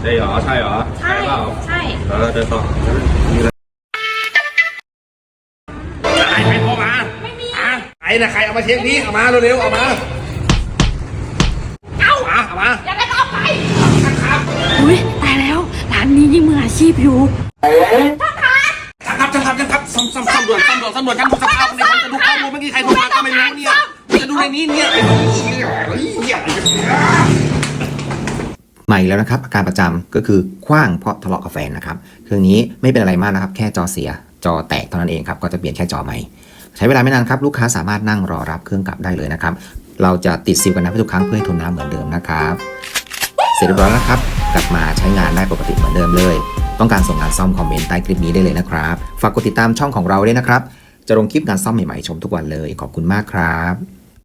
ใช่เหรอใช่เหรอใช่ใช่เดินต่อไอ้ใครโทรมาไม่มีไอ้น่ะใครเอามาเช็คนี้เอามาเร็วๆเอามาเอามาอย่าได้เอาไปอุ้ยตายแล้วร้านนี้นี่มืออาชีพอยู่ช่างครับซ่อมด่วนช่างดูสภาพในคนจะดูข้อมูลเมื่อกี้ใครโทรมาก็ไม่รู้เนี่ยจะดูในนี้เนี่ยไอ้เนี่ยใหม่แล้วนะครับอาการประจำก็คือคว้างเพราะทะเลาะกับแฟนนะครับเครื่องนี้ไม่เป็นอะไรมากนะครับแค่จอเสียจอแตกเท่านั้นเองครับก็จะเปลี่ยนแค่จอใหม่ใช้เวลาไม่นานครับลูกค้าสามารถนั่งรอรับเครื่องกลับได้เลยนะครับเราจะติดซิลกันน้ำให้ทุกครั้งเพื่อให้ทนน้ำเหมือนเดิมนะครับเสร็จเรียบร้อยแล้วครับกลับมาใช้งานได้ปกติเหมือนเดิมเลยต้องการส่งงานซ่อมคอมเมนต์ใต้คลิปนี้ได้เลยนะครับฝากกดติดตามช่องของเราด้วยนะครับจะลงคลิปการซ่อมใหม่ๆชมทุกวันเลยขอบคุณมากครับ